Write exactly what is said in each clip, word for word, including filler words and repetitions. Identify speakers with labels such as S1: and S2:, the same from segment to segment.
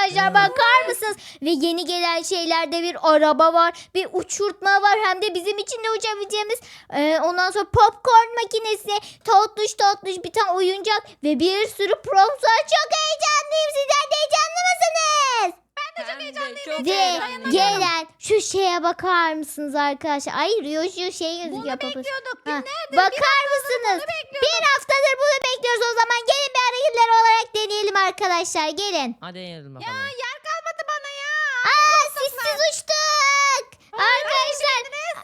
S1: arkadaşlar, bakar mısınız? Ve yeni gelen şeylerde bir araba var, bir uçurtma var, hem de bizim için de uçabileceğimiz. Ee, ondan sonra popcorn makinesi, tatlış tatlış bir tane oyuncak ve bir sürü props var. Çok heyecanlıyım. Sizler de heyecanlı mısınız?
S2: Ben de çok heyecanlıyım.
S1: Ve gelen şu şeye bakar mısınız arkadaşlar? Ay Rio şu şey gözüküyor.
S2: Bunu
S1: papaz.
S2: bekliyorduk.
S1: Ha,
S2: Günlerdir
S1: bakar mısınız? Bir haftadır bunu bekliyoruz. O zaman gelin bir hareketler olarak deneyelim arkadaşlar. Gelin.
S3: Hadi yiyelim
S2: Ya
S3: bakalım.
S2: yer kalmadı bana ya.
S1: Aa, sissiz uçtuk. Arkadaşlar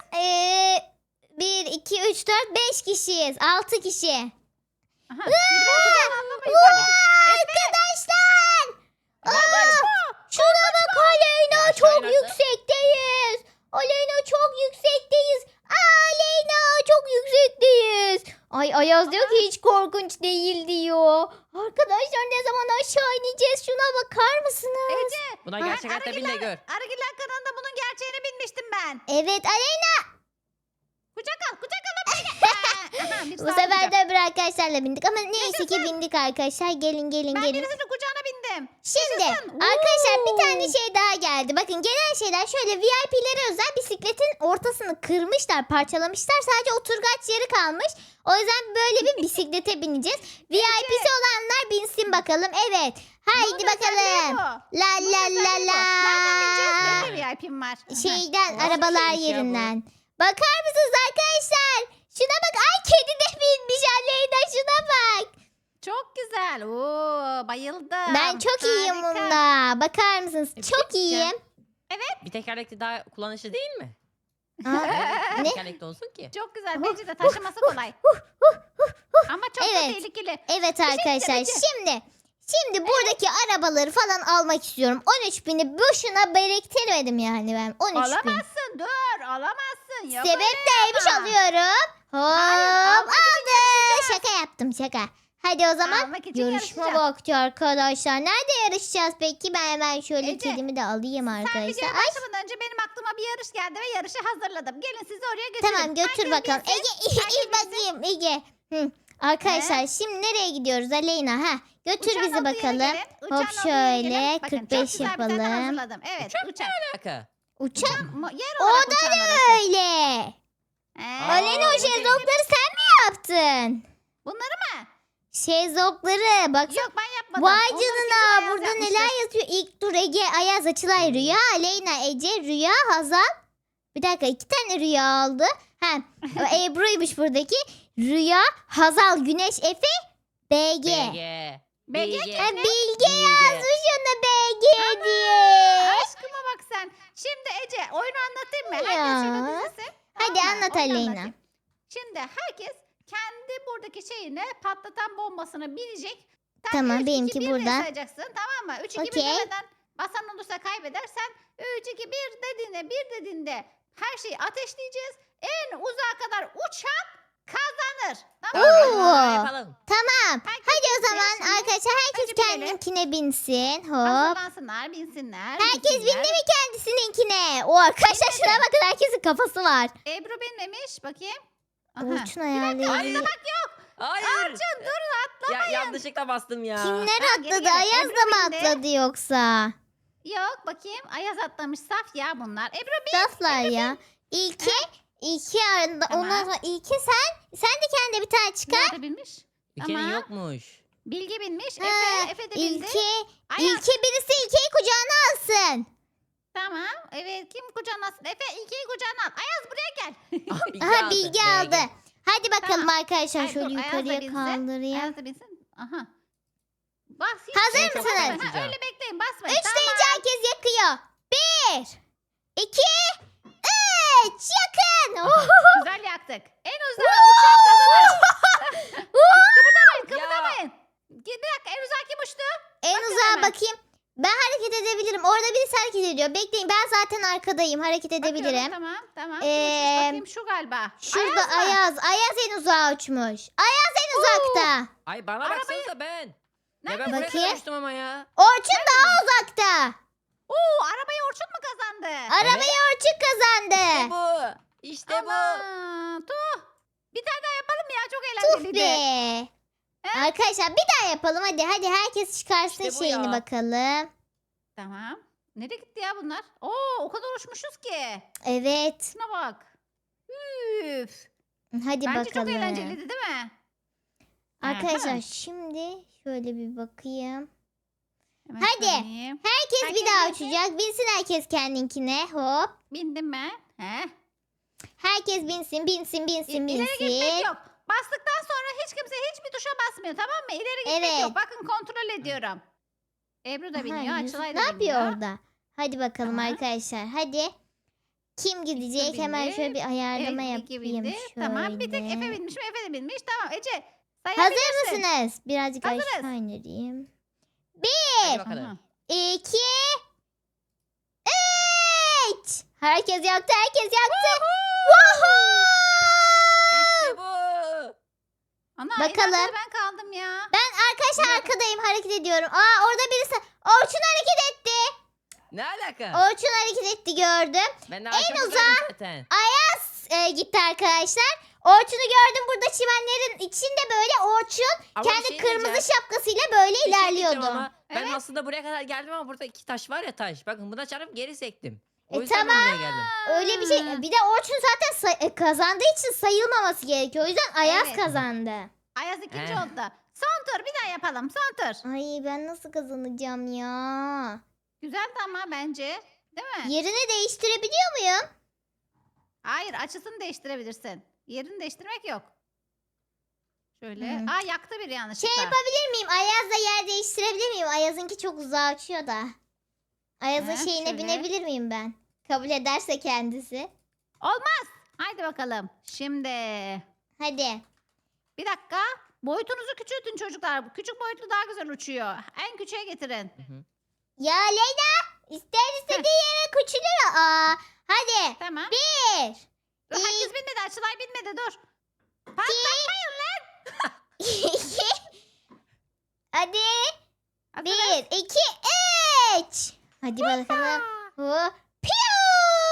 S1: eee bir, iki, üç, dört, beş kişiyiz. altı kişi.
S2: Aha, biri bana kucağına atlamayın.
S1: Vaa, arkadaşlar. Aa, şuna bak Aleyna,
S3: Ya,
S1: çok
S3: şöyle-
S1: yüksekteyiz. Aleyna çok yüksekteyiz. Aleyna çok yüksekteyiz. Ay Ayaz diyor ki hiç korkunç değil diyor. Arkadaşlar ne zaman aşağı ineceğiz, şuna bakar mısınız?
S2: Ece.
S3: Buna
S1: Ha,
S3: gerçek hayatta bin de gör.
S2: Arıgiller kanalında bunun gerçeğini bilmiştim ben.
S1: Evet Aleyna.
S2: Kucak al kucak al. Aha, bir
S1: Bu
S2: sağ
S1: sefer
S2: kucak.
S1: de öbür arkadaşlarla bindik ama neyse ki bindik arkadaşlar. Gelin gelin
S2: Ben
S1: gelin.
S2: birisinin kucağına bindim.
S1: Şimdi
S2: Yaşasın.
S1: arkadaşlar bir
S2: Oo.
S1: tane şey daha geldi. Bakın gelen şeyler şöyle V I P'lere özel bisikletin ortasını kırmışlar, parçalamışlar. Sadece oturgaç yeri kalmış. O yüzden böyle bir bisiklete bineceğiz. V I P'si olanlar binsin bakalım. Evet. Haydi
S2: Bunun özelliği
S1: bakalım.
S2: bu.
S1: La
S2: Bunun
S1: la la
S2: özelliği bu.
S1: la.
S2: Nereden bineceğiz? Benim de V I P'm var. Aha.
S1: Şeyden
S3: Nasıl bir
S1: arabalar
S3: şeymiş ya bu?
S1: yerinden. Bakar mısınız arkadaşlar? Şuna bak. Ay kedi de binmiş Aleyna, şuna bak.
S2: Çok güzel. Oo, bayıldım.
S1: Ben çok iyiyim
S2: Harika.
S1: bunda. Bakar mısınız?
S3: E,
S1: Çok
S3: peki ya.
S1: iyiyim.
S3: Bir tekerlekli daha kullanışlı değil mi?
S1: Aa,
S3: Neden
S1: ne?
S3: tekerlekli olsun ki?
S2: Çok güzel. Bence de taşıması kolay. Ama çok da
S1: Evet.
S2: tehlikeli.
S1: Evet arkadaşlar
S2: Ece.
S1: şimdi şimdi buradaki arabaları falan almak istiyorum. on üç bini boşuna biriktirmedim yani ben. on üç bin.
S2: Alamazsın. Dur. Alamazsın. Yok
S1: Sebep
S2: öyle
S1: neymiş
S2: ama.
S1: alıyorum. Hop
S2: Hayır, almak için
S1: aldım.
S2: yarışacağız.
S1: Şaka yaptım şaka. Hadi o zaman
S2: Almak için
S1: yarışma
S2: yarışacağız.
S1: vakti arkadaşlar. Nerede yarışacağız peki? Ben hemen şöyle
S2: Ece,
S1: kedimi de alayım
S2: Sen
S1: arkadaşlar.
S2: videoya
S1: Ay,
S2: başlamadan önce benim aklıma bir yarış geldi ve yarışı hazırladım. Gelin sizi oraya götürün.
S1: tamam götür
S2: Herkes
S1: bakalım.
S2: bilsin.
S1: Ege iyi, iyi bakayım Ege. Hı. Arkadaşlar şimdi nereye gidiyoruz Aleyna? Ha, götür
S2: Uçağın
S1: bizi
S2: olduğu yere
S1: bakalım.
S2: gelin, uçağın
S1: Hop
S2: olduğu yere gelin.
S1: şöyle
S2: Bakın,
S1: kırk beş
S2: çok güzel bir tane
S1: yapalım.
S2: hazırladım. Evet uçak.
S3: Şaka.
S1: Uçak.
S2: Mu- Yer
S1: O
S2: olarak
S1: da
S2: uçağın
S1: ne
S2: orası.
S1: öyle?
S2: Ee,
S1: Aleyna o
S3: bu değil.
S1: şezlongları sen mi yaptın?
S2: Bunları mı?
S1: Şezlongları bak.
S2: Yok ben yapmadım.
S1: Vay
S2: Onları kesin
S1: canına,
S2: Ayaz
S1: burada
S2: yapmıştır.
S1: neler yazıyor? İlk dur Ege, Ayaz, Açılay, Rüya, Aleyna, Ece, Rüya, Hazal. Bir dakika iki tane Rüya aldı. Ha, o Ebru'ymuş buradaki. Rüya, Hazal, Güneş, Efe, B G.
S3: Bilge.
S2: B G
S3: Bilge.
S1: Ha, Bilge
S3: Bilge.
S1: yazmış ona B G diye.
S2: Aşkıma bak sen. Şimdi Ece oyunu anlatayım mı?
S1: Ya.
S2: Herkes şurada dizilsin.
S1: Hadi
S2: Tamam mı?
S1: anlat
S2: Oyunu
S1: Aleyna.
S2: anlatayım. Şimdi herkes kendi buradaki şeyine patlatan bombasına binecek. Sen
S1: Tamam,
S2: üç, iki,
S1: benimki
S2: bir diye
S1: burada.
S2: sayacaksın tamam mı? üç iki bir
S1: Okey.
S2: demeden basan olursa kaybedersen üç iki bir dediğinde bir dediğinde her şeyi ateşleyeceğiz. En uzağa kadar uçan kazanır. Tamam mı?
S1: Oo.
S3: Tamam, yapalım.
S1: Tamam.
S2: Herkes
S1: Hadi o
S2: binsin.
S1: zaman
S2: Şimdi
S1: arkadaşlar herkes
S2: önce binelim.
S1: kendinkine binsin. Hop.
S2: Hazırlansınlar, binsinler.
S1: Herkes
S2: binsinler.
S1: bindi mi kendisininkine? O arkadaşlar
S2: Binmedi.
S1: şuna bakın, herkesin kafası var.
S2: Ebru binmemiş bakayım. Aha.
S1: Orçun ayarlayabilir.
S3: Hayır. Hayır.
S2: Orçun dur
S3: Ya, yanlışlıkla bastım ya.
S1: Kimler
S2: Ha, geri
S1: atladı?
S2: geri.
S1: Ayaz
S2: Ebru
S1: da mı
S2: bindi.
S1: atladı yoksa?
S2: Yok bakayım. Ayaz atlamış saf ya bunlar. Ebru bin.
S1: Saflar ya. İlke, İlke arında.
S2: Tamam.
S1: Ondan sonra İlke sen, sen de kendine bir tane çıkar.
S2: Nerede binmiş?
S3: Ülkenin
S2: Ama-
S3: yokmuş.
S2: Bilgi binmiş.
S1: Ha,
S2: Efe, Efe de bindi.
S1: İlke,
S2: Ayaz.
S1: İlke birisi İlke'yi kucağına alsın.
S2: Tamam. Evet kim kucağına alsın? Efe ilkiyi kucağına al. Ayaz buraya gel.
S3: Aha, Bilge
S1: Aha
S3: aldı.
S1: Bilge
S3: B G.
S1: aldı. Hadi bakalım
S2: Tamam.
S1: arkadaşlar
S2: Ay,
S1: şöyle
S2: dur, Ayaz da
S1: yukarıya
S2: binsin.
S1: kaldırayım.
S2: Ayaz da binsin. Aha. Bas. hiç
S1: Hazır
S2: şey
S1: mısınız?
S2: basmayın. Ha,
S3: Basacağım.
S2: öyle bekleyin basmayın.
S1: Üç
S2: Tamam.
S1: deyince herkes yakıyor. Bir, iki, üç. Yakın. Oh.
S2: Güzel yaktık. En uzağa uçan kazanır. Kıpırdamayın kıpırdamayın. Bir dakika en uzağa kim uçtu?
S1: En
S2: Bakın
S1: uzağa
S2: hemen.
S1: bakayım. Ben hareket edebilirim. Orada birisi hareket ediyor. Bekleyin, ben zaten arkadayım. Hareket edebilirim.
S2: Bakıyorum, tamam tamam. Kim
S1: Ee,
S2: uçmuş bakayım şu galiba.
S1: Şurada
S2: Ayaz mı?
S1: Ayaz. Ayaz en uzağa uçmuş. Ayaz en uzakta.
S3: Ay bana
S2: Arabayı-
S3: baksanıza ben. Ya
S2: Nerede?
S3: ben buraya
S1: Bakayım.
S3: kadar uçtum ama ya.
S1: Orçun daha uzakta.
S2: Oo arabayı Orçun mu kazandı?
S1: Arabayı Orçun
S3: İşte
S1: kazandı.
S3: bu. İşte bu.
S2: Aman, tuh. Bir tane daha yapalım mı ya çok
S1: Tuf
S2: eğlenceliydi.
S1: be. Arkadaşlar bir daha yapalım hadi. Hadi herkes çıkarsın
S3: İşte bu
S1: şeyini
S3: ya.
S1: bakalım.
S2: Tamam. Nereye gitti ya bunlar? Oo, o kadar uçmuşuz ki.
S1: Evet.
S2: Şuna bak. Üf.
S1: Hadi
S2: Bence çok
S1: bakalım.
S2: eğlenceliydi değil mi?
S1: Arkadaşlar
S2: Aha.
S1: şimdi şöyle bir bakayım.
S2: Hemen
S1: Hadi.
S2: söyleyeyim.
S1: Herkes,
S2: Herkes
S1: bir daha
S2: binsin.
S1: uçacak. Binsin herkes kendinkine. Hop.
S2: Bindim ben. He.
S1: Herkes binsin, binsin, binsin,
S2: İleri gitmek
S1: binsin.
S2: yok. Bastıktan sonra hiç kimse hiçbir tuşa basmıyor, tamam mı? İleri gitmek
S1: Evet.
S2: yok. Bakın kontrol ediyorum. Ebru da
S1: Aha,
S2: biniyor,
S1: Yusuf
S2: Açılay
S1: ne
S2: da
S1: yapıyor
S2: biniyor.
S1: orada? Hadi bakalım
S2: Aha.
S1: arkadaşlar. Hadi. Kim gidecek?
S2: bindi.
S1: Hemen şöyle bir ayarlama
S2: Evet, iki
S1: yapayım.
S2: bindi.
S1: Şöyle.
S2: Tamam, bir tek Efe binmiş mi? Efe de binmiş. Tamam Ece,
S1: Hazır
S2: sayabilirsin.
S1: mısınız? Birazcık
S2: Hazırız.
S1: aşağı indireyim.
S3: Hadi bakalım.
S2: Aha.
S1: İki. Üç. Herkes yaktı, herkes yaktı. Woohoo!
S3: İşte bu.
S2: Ana,
S1: Bakalım.
S2: en arkada ben kaldım ya.
S1: Ben arkadaşlar arkadayım, hareket ediyorum. Aa, orada birisi. Orçun hareket etti.
S3: Ne alaka?
S1: Orçun hareket etti, gördüm.
S3: Ben de
S1: en
S3: arkamdaydım
S1: uzağa-
S3: zaten.
S1: Ayaz e, gitti arkadaşlar. Orçun'u gördüm burada çimenlerin içinde, böyle Orçun
S3: Ama bir
S1: kendi
S3: şey
S1: kırmızı
S3: diyeceğim.
S1: şapkasıyla böyle
S3: Bir şey diyeceğim
S1: ilerliyordu.
S3: ama Ben
S2: Evet.
S3: aslında buraya kadar geldim ama burada iki taş var ya taş. Bakın buna çarpıp geri sektim. O
S1: E,
S3: yüzden ben
S1: tamam.
S3: buraya geldim.
S1: Öyle bir şey. Bir de Orçun zaten say- e, kazandığı için sayılmaması gerekiyor. O yüzden Ayaz
S2: Evet.
S1: kazandı.
S2: Ayaz ikinci
S3: He.
S2: oldu. Son tur bir daha yapalım. Son tur.
S1: Ay, ben nasıl kazanacağım ya?
S2: Güzeldi ama bence. Değil mi?
S1: Yerini değiştirebiliyor muyum?
S2: Hayır, açısını değiştirebilirsin. Yerini değiştirmek yok. Şöyle.
S1: Hmm.
S2: Aa, yaktı bir yanlışlıkla.
S1: Şey yapabilir miyim? Ayaz'la yer değiştirebilir miyim? Ayaz'ınki çok uzağa uçuyor da. Ayaz'ın
S2: He,
S1: şeyine
S2: şöyle.
S1: binebilir miyim ben? Kabul ederse kendisi.
S2: Olmaz. Haydi bakalım. Şimdi.
S1: Hadi.
S2: Bir dakika. Boyutunuzu küçültün çocuklar. Küçük boyutlu daha güzel uçuyor. En küçüğe getirin.
S3: Hı hı.
S1: Ya Leyla, ister istediği yere küçülür. Aa, hadi.
S2: Tamam.
S1: Bir.
S2: Dur, herkes binmedi. Açılay binmedi. Dur. Patlatmayın lan.
S1: iki. Hadi.
S2: Hazırız.
S1: Bir, iki, üç. Hadi bakalım. Hop. Piu!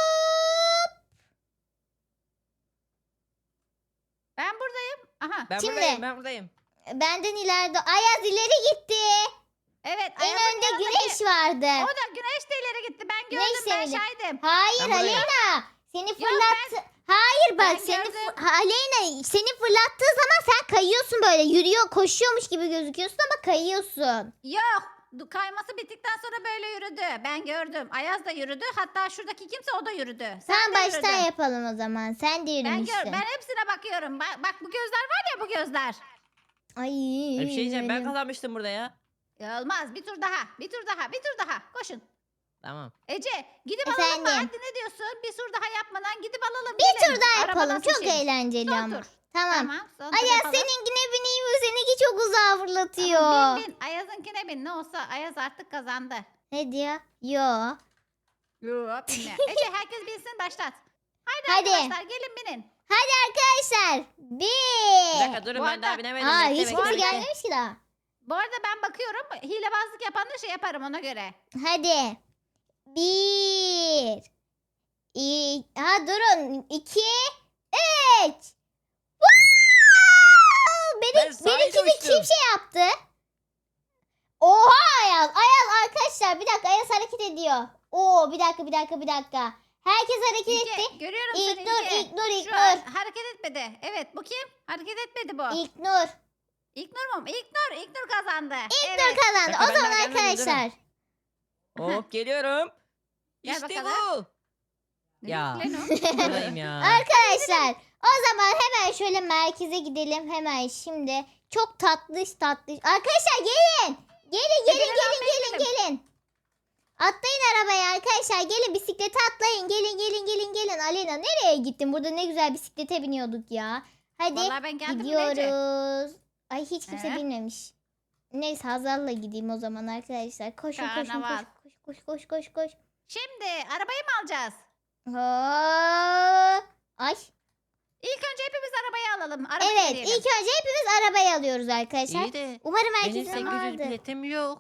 S2: Ben buradayım. Aha.
S3: Ben
S1: Şimdi-
S3: buradayım ben buradayım.
S1: Benden ileride. Ayaz ileri gitti.
S2: Evet.
S1: En
S2: Ayaz'ın
S1: önde
S2: yanındaki-
S1: güneş vardı.
S2: O da güneş de ileri gitti. Ben
S1: Güneş
S2: gördüm. Ben
S1: de ileri-
S2: şahidim.
S1: Hayır
S3: Ben buradayım.
S1: Aleyna. Seni fırlattı. Hayır bak
S2: ben
S1: seni
S2: gördüm.
S1: fı- Aleyna seni fırlattığı zaman sen kayıyorsun, böyle yürüyor, koşuyormuş gibi gözüküyorsun ama kayıyorsun.
S2: Yok. Du- Kayması bittikten sonra böyle yürüdü. Ben gördüm. Ayaz da yürüdü. Hatta şuradaki kimse o da yürüdü. Sen
S1: Sen
S2: de
S1: baştan
S2: yürüdün.
S1: yapalım o zaman. Sen de
S2: Ben,
S1: yürümüşsün.
S2: gör, ben hepsine bakıyorum. Bak, bak bu gözler var ya, bu gözler.
S1: Ay.
S3: Bir şey diyeceğim ben
S1: benim-
S3: kazanmıştım burada ya.
S2: Ya olmaz. Bir tur daha. Bir tur daha. Bir tur daha. Koşun.
S3: Tamam.
S2: Ece gidip alalım mı?
S1: Efendim?
S2: Hadi, ne diyorsun? Bir tur daha yapmadan gidip alalım.
S1: Bir
S2: gelin.
S1: tur daha
S2: Arabadan
S1: yapalım. Çok
S2: seçelim.
S1: eğlenceli
S2: Son
S1: ama.
S2: tur.
S1: Tamam.
S2: Tamam. Son tur
S1: Ayaz
S2: yapalım.
S1: seninkine bineyim, o seninki çok uzağa fırlatıyor.
S2: Tamam, bin bin. Ayaz'ınkine bin. Ne olsa Ayaz artık kazandı.
S1: Ne diyor? Yo.
S2: Yok binme. Ece herkes binsin, başlat. Haydi,
S1: Hadi.
S2: arkadaşlar gelin binin.
S1: Hadi arkadaşlar.
S3: Bir
S1: Bir.
S3: dakika durun
S2: bu
S3: ben daha
S2: arada-
S3: binemedim.
S1: Aa,
S3: Bekle,
S1: hiç
S3: bekle,
S1: kimse
S3: bekle.
S1: gelmemiş ki daha.
S2: Bu arada ben bakıyorum. Hilebazlık yapan da şey yaparım ona göre.
S1: Hadi. Bir. İ ha durun. İki. Üç. Wow!
S3: Ben
S1: Benim,
S3: sahile
S1: benimki de kim
S3: uçtum.
S1: şey yaptı? Oha Ayaz. Ayaz arkadaşlar, bir dakika, Ayaz hareket ediyor. Oo, bir dakika bir dakika bir dakika. Herkes hareket
S2: İlke,
S1: etti.
S2: görüyorum
S1: İlk
S2: seni
S1: nur,
S2: İlke.
S1: ilk nur, ilk
S2: Şu
S1: nur.
S2: an hareket etmedi. Evet, bu kim? Hareket etmedi bu. İlk,
S1: İlk nur.
S2: Nur mu? İlk Nur. İlk Nur kazandı.
S1: İlk
S2: evet.
S1: nur kazandı.
S3: Dakika,
S1: O
S3: ben
S1: zaman
S3: daha gelmedim,
S1: arkadaşlar.
S3: Hop geliyorum.
S2: Gel
S3: İşte
S2: bakalım.
S3: bu.
S2: Ne
S3: Ya.
S2: diyorsun lan o?
S3: Buradayım ya.
S1: Arkadaşlar o zaman hemen şöyle merkeze gidelim hemen şimdi. Çok tatlış tatlış. Arkadaşlar gelin. Gelin gelin
S2: Gidelim,
S1: gelin
S2: almaya
S1: gelin
S2: gidelim.
S1: gelin. Atlayın arabaya arkadaşlar. Gelin bisiklete atlayın. Gelin gelin gelin gelin. Alena nereye gittin? Burada ne güzel bisiklete biniyorduk ya. Hadi
S2: Vallahi ben geldim bile Ece.
S1: gidiyoruz. Ay hiç kimse
S2: Ee?
S1: binmemiş. Neyse Hazal'la gideyim o zaman arkadaşlar. Koşun koşun
S2: Karnaval.
S1: koş koş koş koş koş koş.
S2: Şimdi arabayı mı alacağız?
S1: Hop. Ay.
S2: İlk önce hepimiz arabayı alalım. Araba
S1: Evet,
S2: deneyelim.
S1: ilk önce hepimiz arabayı alıyoruz arkadaşlar.
S3: İyi de
S1: Umarım
S3: benim
S1: herkesin
S3: sekiz yüz
S1: vardır.
S3: biletim yok.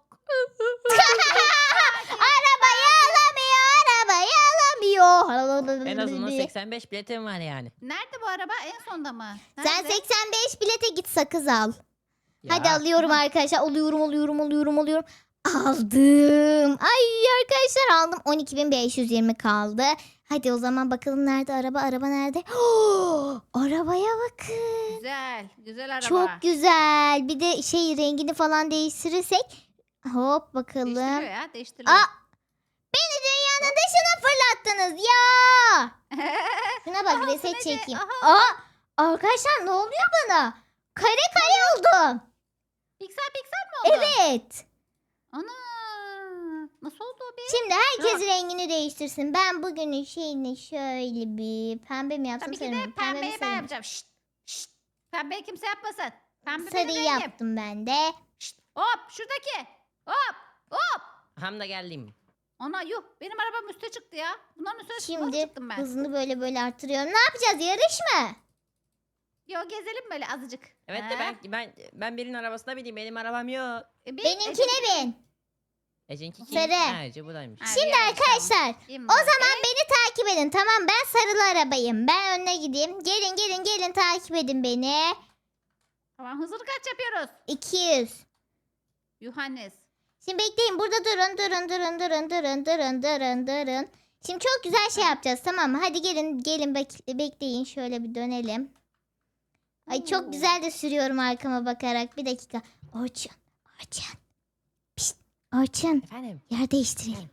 S1: Arabayı alamıyor, arabayı alamıyor.
S3: En azından seksen beş biletim var yani.
S2: Nerede bu araba? En sonda mı?
S1: Sen
S2: Nerede?
S1: seksen beş bilete git sakız al.
S3: Ya.
S1: Hadi alıyorum arkadaşlar. Alıyorum, alıyorum, alıyorum, alıyorum. Aldım. Ay arkadaşlar aldım. on iki bin beş yüz yirmi kaldı. Hadi o zaman bakalım nerede araba? Araba nerede? Oh, arabaya bakın.
S2: Güzel. Güzel araba.
S1: Çok güzel. Bir de şey rengini falan değiştirirsek. Hop bakalım.
S2: Değiştiriyor ya. Değiştiriyor.
S1: Aa, beni dünyanın dışına fırlattınız ya. Şuna bak
S2: Aha,
S1: reset
S2: Ece,
S1: çekeyim.
S2: aha.
S1: Aa, arkadaşlar ne oluyor bana? Kare kare oldum.
S2: Piksel piksel mi oldu?
S1: Evet.
S2: Ana. Nasıl oldu o be?
S1: Şimdi herkes
S2: Dur.
S1: rengini değiştirsin. Ben bugünün şeyini şöyle bir pembe mi yapsam
S2: Tabii ki
S1: sarı
S2: de
S1: mı? Pembe mi
S2: pembeyi ben
S1: sarı mı?
S2: yapacağım. Şşt. Şşt. Pembeyi kimse yapmasın. Pembe benim
S1: Sarıyı
S2: rengim.
S1: yaptım ben de.
S2: Şşt. Hop şuradaki. Hop. Hop.
S3: Ham da geldim.
S2: Ana yuh. Benim arabam üste çıktı ya. Bunların üstüne nasıl
S1: Şimdi
S2: çıktım ben?
S1: hızını böyle böyle arttırıyorum. Ne yapacağız? Yarış mı?
S2: Yo gezelim böyle azıcık.
S3: Evet
S2: He?
S3: de ben ben ben birinin arabasına bineyim. Benim arabam yok.
S2: E, bin,
S1: Benimkine
S2: Ece-
S1: bin.
S3: Ece'ninki kim?
S1: Sarı.
S3: Ha, Ece buradaymış.
S2: Ha,
S1: Şimdi
S2: bir
S1: arkadaşlar
S2: Bin
S1: o
S2: var.
S1: zaman beni takip edin. Tamam ben sarılı arabayım. Ben önüne gideyim. Gelin gelin gelin takip edin beni.
S2: Tamam hızını kaç yapıyoruz?
S1: iki yüz.
S2: Yuhannes.
S1: Şimdi bekleyin burada durun durun durun durun durun durun durun durun. Şimdi çok güzel şey yapacağız tamam mı? Hadi gelin gelin bek- bekleyin şöyle bir dönelim. Ay
S2: Oo.
S1: çok güzel de sürüyorum arkama bakarak. Bir dakika. Orçun. Orçun. Pişt. Orçun.
S3: Efendim.
S1: Yer değiştirelim.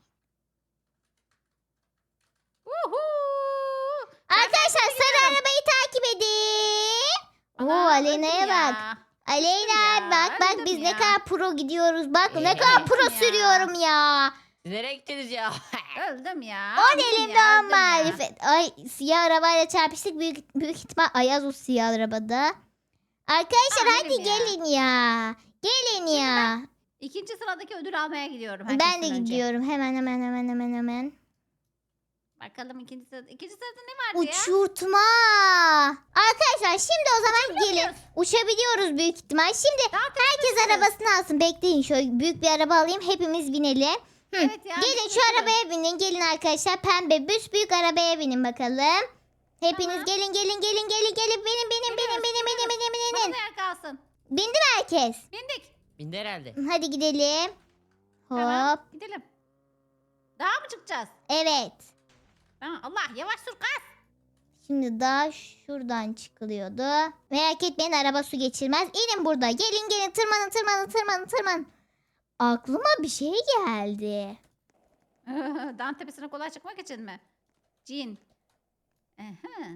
S2: Uhu.
S1: Arkadaşlar sarı arabayı takip edin. Oo
S2: Ana,
S1: Aleyna'ya
S2: öldüm
S1: bak.
S2: ya.
S1: Aleyna
S2: ya,
S1: bak bak
S2: öldüm
S1: biz ne
S2: ya.
S1: kadar pro gidiyoruz. Bak ne
S3: Ee,
S1: kadar pro
S2: öldüm ya.
S1: sürüyorum ya.
S3: Siz nereye gittiniz ya?
S2: Öldüm ya.
S1: On
S2: öldüm
S1: elimde
S2: ya,
S1: on
S2: öldüm ya.
S1: marifet. Ay siyah arabayla çarpıştık. Büyük, büyük ihtimal Ayaz o siyah arabada. Arkadaşlar
S2: Aa,
S1: hadi
S2: benim ya.
S1: gelin ya. Gelin ya.
S2: İkinci sıradaki ödül almaya gidiyorum.
S1: Ben de
S2: herkesten önce.
S1: gidiyorum. Hemen hemen hemen hemen hemen.
S2: Bakalım ikinci sırada. İkinci sırada ne vardı ya?
S1: Uçurtma. Arkadaşlar şimdi o zaman gelin.
S2: Uçabiliyoruz.
S1: Uçabiliyoruz büyük ihtimal. Şimdi
S2: Daha
S1: herkes
S2: tepesi.
S1: arabasını alsın. Bekleyin şöyle büyük bir araba alayım. Hepimiz binelim. Hı.
S2: Evet ya.
S1: Gelin
S2: bir
S1: şu
S2: sürü.
S1: arabaya binin. Gelin arkadaşlar pembe büs büyük arabaya binin bakalım. Hepiniz
S2: Tamam.
S1: gelin gelin gelin gelin gelin binin binin binin
S2: Geliyoruz,
S1: binin binin binin binin.
S2: Bana da yer kalsın.
S1: Bindi mi herkes?
S2: Bindik.
S3: Bindi herhalde.
S1: Hadi gidelim. Hop.
S2: Tamam. Gidelim. Daha mı çıkacağız?
S1: Evet.
S2: Tamam. Allah yavaş sür kas.
S1: Şimdi daha şuradan çıkılıyordu. Merak etmeyin araba su geçirmez. İnin burada. Gelin gelin tırmanın tırmanın tırmanın tırmanın. Aklıma bir şey geldi.
S2: Dağın tepesine kolay çıkmak için mi? Cin. Aha.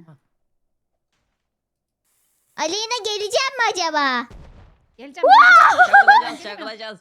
S1: Aleyna geleceğim mi acaba?
S2: Geleceğim.
S3: Çakılacağız çakılacağız.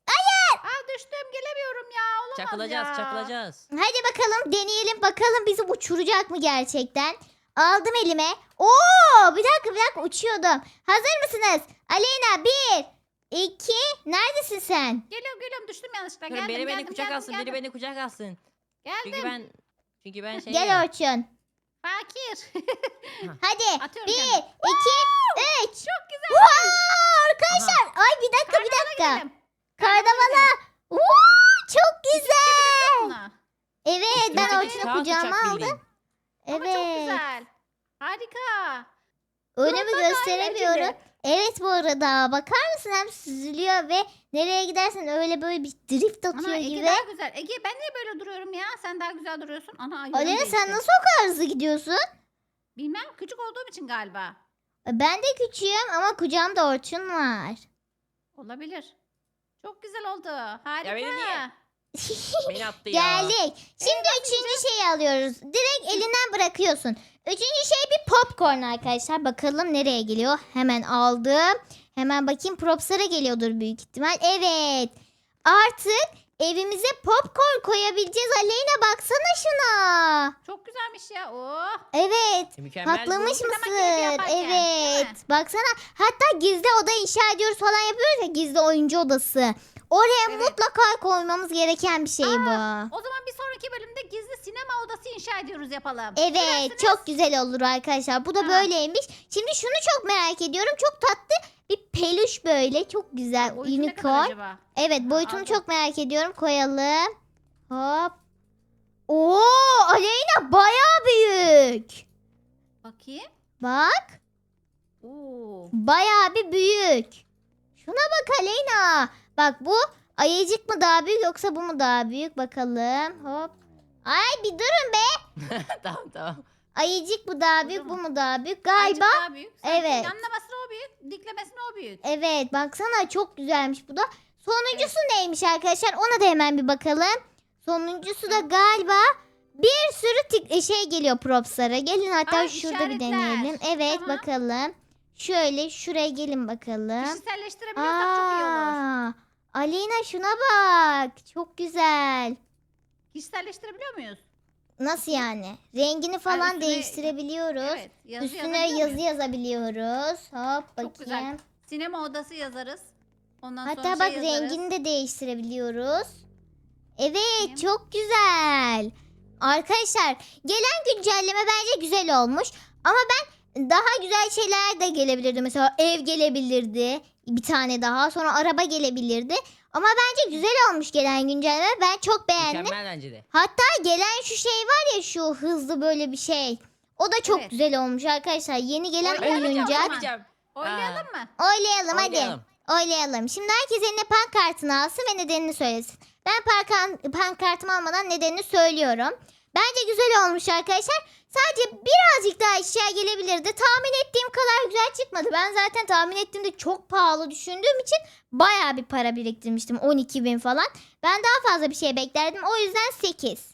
S2: Aa düştüm gelemiyorum ya. Olamaz
S3: Çakılacağız
S2: ya.
S3: çakılacağız.
S1: Hadi bakalım deneyelim bakalım bizi uçuracak mı gerçekten? Aldım elime. Oo bir dakika bir dakika uçuyordum. Hazır mısınız? Aleyna bir, iki, neredesin sen?
S2: Geliyorum geliyorum düştüm yanlışlıkla.
S3: Durun,
S2: Geldim
S3: biri beni
S2: geldim
S3: kucak
S2: geldim,
S3: alsın,
S2: geldim.
S3: biri beni kucak alsın.
S2: Geldim.
S3: Çünkü ben çünkü ben şey
S1: Gel
S3: ya.
S1: Orçun.
S2: Fakir.
S1: Hadi
S2: Atıyorum
S1: bir,
S2: kendimi.
S1: iki, üç.
S2: Çok güzel.
S1: Wow, arkadaşlar. Ay bir dakika bir dakika.
S2: Gidelim.
S1: Kardamala. Oo, çok güzel.
S2: Buna.
S1: Evet ben
S3: Üstümüzdeki
S1: Orçun'u
S3: kağıt
S1: kucağıma
S3: uçak
S1: aldım.
S3: bildiğin.
S2: Ama çok
S1: Evet.
S2: güzel. Harika.
S1: Önümü
S2: Fırında da
S1: gösteremiyorum.
S2: eğlenceli.
S1: Evet bu arada bakar mısın hem süzülüyor ve nereye gidersen öyle böyle bir drift atıyor
S2: Ana Ege
S1: gibi.
S2: daha güzel. Ege ben niye böyle duruyorum ya? Sen daha güzel duruyorsun. Ana yönüm
S1: Alena
S2: değişti.
S1: sen nasıl o kadar hızlı gidiyorsun?
S2: Bilmem küçük olduğum için galiba.
S1: Ben de küçüğüm ama kucağımda Orçun var.
S2: Olabilir. Çok güzel oldu. Harika.
S3: Ya beni niye- Beni attı ya.
S1: Geldik. Şimdi üçüncü şeyi alıyoruz. Direkt elinden bırakıyorsun. Üçüncü şey bir popcorn arkadaşlar. Bakalım nereye geliyor. Hemen aldım. Hemen bakayım propslara geliyordur büyük ihtimal. Evet. Artık evimize popcorn koyabileceğiz. Aleyna baksana şuna.
S2: Çok güzelmiş ya. Oh.
S1: Evet.
S3: Mükemmel
S1: Patlamış
S3: bu.
S1: mısır.
S2: Sinema keyfi yaparken, değil mi?
S1: Evet. Baksana. Hatta gizli oda inşa ediyoruz falan yapıyoruz ya. Gizli oyuncu odası. Oraya
S2: Evet.
S1: mutlaka koymamız gereken bir şey bu.
S2: O zaman bir sonraki bölümde gizli sinema odası inşa ediyoruz yapalım.
S1: Evet
S2: Dilerseniz-
S1: çok güzel olur arkadaşlar. Bu da
S2: Ha.
S1: böyleymiş. Şimdi şunu çok merak ediyorum. Çok tatlı bir peluş böyle. Çok güzel.
S2: Boyutu ne kadar
S1: Unicorn.
S2: acaba?
S1: Evet boyutunu
S2: aldım.
S1: çok merak ediyorum. Koyalım. Hop. Oo Aleyna baya büyük.
S2: Bakayım.
S1: Bak.
S2: Oo.
S1: Baya bir büyük. Şuna bak Aleyna. Bak bu Ayıcık mı daha büyük yoksa bu mu daha büyük? Bakalım. Hop. Ay bir durun be.
S3: tamam tamam.
S1: Ayıcık mı daha büyük, bu
S2: Kocaman.
S1: mu daha büyük?
S2: Azıcık
S1: Galiba.
S2: daha büyük. Sanki
S1: evet.
S2: Yanlamasına o büyük. Diklemesine o büyük.
S1: Evet, baksana çok güzelmiş bu da. Sonuncusu neymiş arkadaşlar? Ona da hemen bir bakalım. Sonuncusu da galiba bir sürü tik- şey geliyor propslara. Gelin hatta
S2: Ay,
S1: şurada bir
S2: işaretler.
S1: deneyelim. Evet,
S2: Tamam.
S1: bakalım. Şöyle şuraya gelin bakalım.
S2: Kişiselleştirebiliyorsak çok iyi olur.
S1: Aa, Aleyna şuna bak. Çok güzel.
S2: Kişiselleştirebiliyor muyuz?
S1: Nasıl yani? Rengini falan
S2: üstüne-
S1: değiştirebiliyoruz.
S2: Evet. Yazı
S1: Üstüne
S2: yazabiliyor
S1: yazı
S2: muyuz?
S1: yazabiliyoruz. Hop
S2: Çok güzel.
S1: bakayım.
S2: Sinema odası yazarız. Ondan
S1: Hatta
S2: sonra
S1: bak
S2: şey yazarız.
S1: rengini de değiştirebiliyoruz. Evet,
S2: Bakayım.
S1: çok güzel. Arkadaşlar gelen güncelleme bence güzel olmuş. Ama ben daha güzel şeyler de gelebilirdi. Mesela ev gelebilirdi. Bir tane daha. Sonra araba gelebilirdi. Ama bence güzel olmuş gelen güncelleme. Ben çok beğendim.
S3: Mükemmel bence de.
S1: Hatta gelen şu şey var ya, şu hızlı böyle bir şey. O da çok
S2: Evet.
S1: güzel olmuş arkadaşlar. Yeni gelen
S2: Oynayalım mı o
S1: oyuncak.
S2: zaman?
S3: Yapacağım.
S2: Oylayalım mı?
S1: Oylayalım hadi.
S3: Oynayalım.
S1: Oylayalım. Şimdi herkes eline pankartını alsın ve nedenini söylesin. Ben pankan, pankartımı almadan nedenini söylüyorum. Bence güzel olmuş arkadaşlar. Sadece birazcık daha eşya gelebilirdi. Tahmin ettiğim kadar güzel çıkmadı. Ben zaten tahmin ettiğimde çok pahalı düşündüğüm için bayağı bir para biriktirmiştim. on iki bin falan. Ben daha fazla bir şey beklerdim. O yüzden sekiz.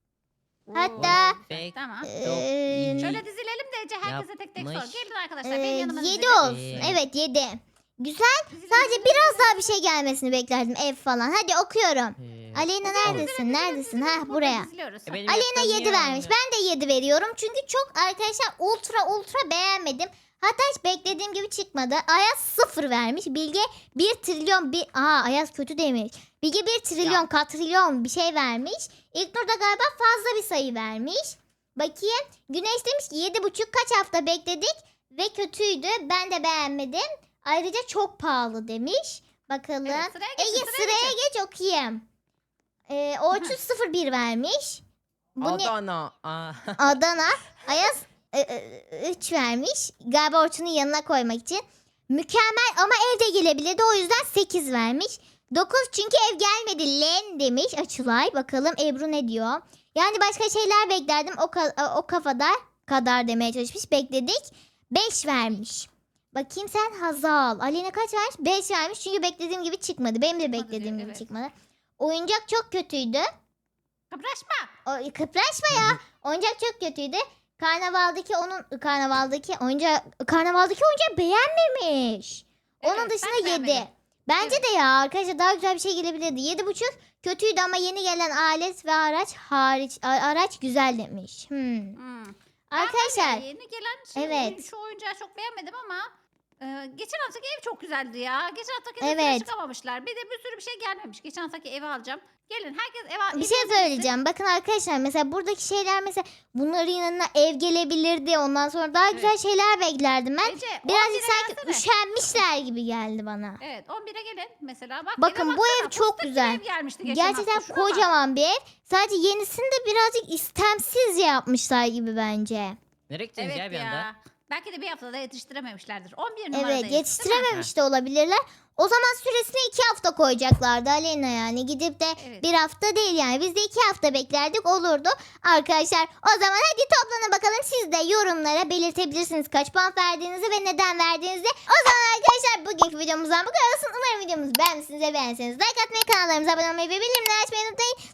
S1: Hatta
S2: Oo,
S3: Peki.
S2: Tamam.
S1: Eee,
S2: Şöyle dizilelim de Ece herkese tek tek sor.
S3: Yapmış.
S2: Gelin arkadaşlar benim yanıma
S1: yedi
S2: dizilin.
S1: olsun.
S3: Ee.
S1: Evet yedi. Güzel.
S2: Dizilin,
S1: Sadece
S2: dizilin,
S1: biraz
S2: dizilin.
S1: daha bir şey gelmesini beklerdim. Ev falan. Hadi okuyorum.
S3: Ee,
S1: Aleyna
S3: olur.
S1: neredesin? Neredesin? Ha
S2: Burada
S1: buraya.
S2: diziliyoruz.
S3: E, benim
S1: Aleyna
S3: yaptığım
S1: yedi
S3: niye
S1: vermiş.
S3: olmuyor?
S1: Ben de yedi veriyorum. Çünkü çok arkadaşlar ultra ultra beğenmedim. Hatta hiç beklediğim gibi çıkmadı. Ayaz sıfır vermiş. Bilge bir trilyon bir... Aa Ayaz kötü demiş. Bilge bir trilyon katrilyon bir şey vermiş. İlknur da galiba fazla bir sayı vermiş. Bakayım. Güneş demiş ki yedi buçuk kaç hafta bekledik ve kötüydü. Ben de beğenmedim. Ayrıca çok pahalı demiş. Bakalım.
S2: Evet, sıraya geçin,
S1: Ege
S2: sıraya
S1: sıraya
S2: geçin.
S1: geç okuyayım. Ee, Orçun sıfır bir vermiş. Bu ne?
S3: Adana. Aa.
S1: Adana. Ayaz üç vermiş. Galiba Orçun'un yanına koymak için. Mükemmel ama evde gelebilirdi. O yüzden sekiz vermiş. dokuz çünkü ev gelmedi. Len demiş Açılay. Bakalım Ebru ne diyor? Yani başka şeyler beklerdim. O, ka- o kafada kadar demeye çalışmış. Bekledik. beş vermiş. Bakayım sen Hazal. Aleyna kaç vermiş? beş vermiş. Çünkü beklediğim gibi çıkmadı. Benim de
S2: Çıkmadı
S1: beklediğim
S2: diyor,
S1: gibi
S2: evet.
S1: çıkmadı. Oyuncak çok kötüydü.
S2: Kıpraşma.
S1: O, kıpraşma ya. Oyuncak çok kötüydü. Karnavaldaki onun karnavaldaki oyuncak karnavaldaki oyuncağı beğenmemiş. Onun
S2: Evet,
S1: dışında
S2: ben
S1: yedi.
S2: beğenmedim.
S1: Bence
S2: Evet.
S1: de ya arkadaşlar daha güzel bir şey gelebilirdi. Yedi buçuk kötüydü ama yeni gelen alet ve araç hariç a- araç güzel demiş. Hmm.
S2: Hmm.
S1: Arkadaşlar
S2: Ben yeni gelen şey,
S1: Evet.
S2: oyun- şu oyuncağı çok beğenmedim ama e, geçen haftaki ev çok güzeldi ya. Geçen haftaki
S1: Evet.
S2: evet. çıkamamışlar. Bir de bir sürü bir şey gelmemiş. Geçen haftaki evi alacağım. Gelin herkes eve
S1: bir şey
S2: evinize
S1: söyleyeceğim. Bakın arkadaşlar mesela buradaki şeyler mesela bunların yanına ev gelebilirdi. Ondan sonra daha güzel şeyler beklerdim ben.
S2: gitsin. Ece,
S1: Birazcık
S2: on bire
S1: sanki
S2: gelsene.
S1: üşenmişler gibi geldi bana.
S2: Evet on bire gelin mesela. Bak,
S1: Bakın,
S2: eve
S1: bu
S2: baksana,
S1: ev çok
S2: fıstık gibi
S1: güzel.
S2: ev gelmişti geçen
S1: Gerçekten
S2: hafta. Şuna bak.
S1: kocaman bir ev. Sadece yenisini de birazcık istemsizce yapmışlar gibi bence.
S3: Nereye gittiniz
S2: Evet
S3: ya bir anda?
S2: ya. Belki de bir haftada yetiştirememişlerdir. on bir numaradayız.
S1: Evet
S2: değil mi?
S1: yetiştirememiş de olabilirler. O zaman süresini iki hafta koyacaklardı Aleyna yani. Gidip de
S2: Evet.
S1: bir hafta değil yani. Biz de iki hafta beklerdik olurdu. Arkadaşlar o zaman hadi toplanın bakalım. Siz de yorumlara belirtebilirsiniz kaç puan verdiğinizi ve neden verdiğinizi. O zaman arkadaşlar bugünkü videomuzdan bu kadar olsun. Umarım videomuzu beğenmişsiniz ve beğenseniz like atmayı, kanallarımıza abone olmayı ve bildirimleri açmayı unutmayın.